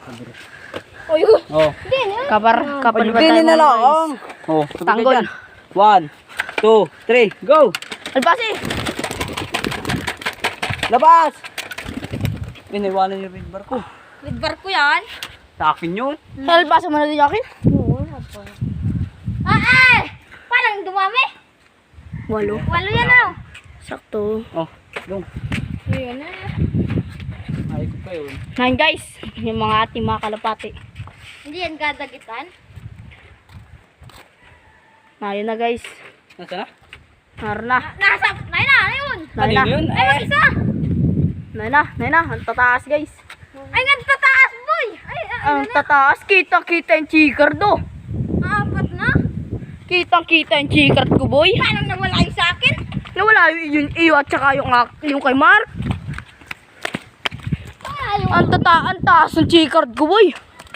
Oh, yun. Oh. Kapal ba Pagpili tayo na mga lang. guys? Oh, Tanggol. 1, 2, 3, go! Albasi! Labas! Iniwanan yung red bar ko. With barko yan? Sa akin yun. Albasa mo na din akin? Parang dumami. 8. 8 yan na. Sakto. Oh, dong. Yun na. Ay ko pa yun. 9 guys. Yung mga ating mga kalapati. Hindi yan gadagitan. Ayun na guys. Nasaan na? Naroon na. Nasa, na yun. Naroon na. Kanino yun? Ay, mag-isa. Naroon na. Ang tataas guys. Ay, nagtataas, boy. Ay, Ang tataas. Kitang-kita yung chikard do. apat na. Kitang-kita yung chikard ko boy. Paano nawala yung sa akin? Nawala yung iyo at saka yung kay Mark. Ang taas ng chikard ko boy.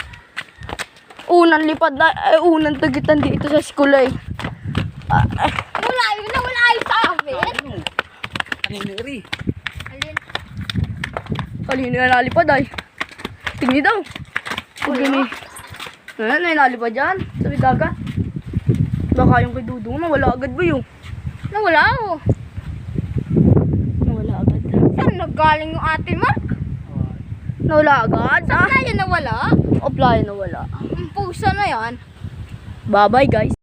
Unang lipad na, unang tagitan dito sa school eh. Nawala yung sa akin. Kanino rin? Alin? Kanino na nalipad ay. Tingnan daw. Huwag yun eh. Ayan, may nalipad dyan. Sabi dagat. Baka yung kay Dudong nawala agad ba yun? Nawala oh. Nawala agad. Saan naggaling yung ate Mark? Nawala agad? Saan kaya nawala? Apply nawala. Ang pusa na yan. Bye bye guys.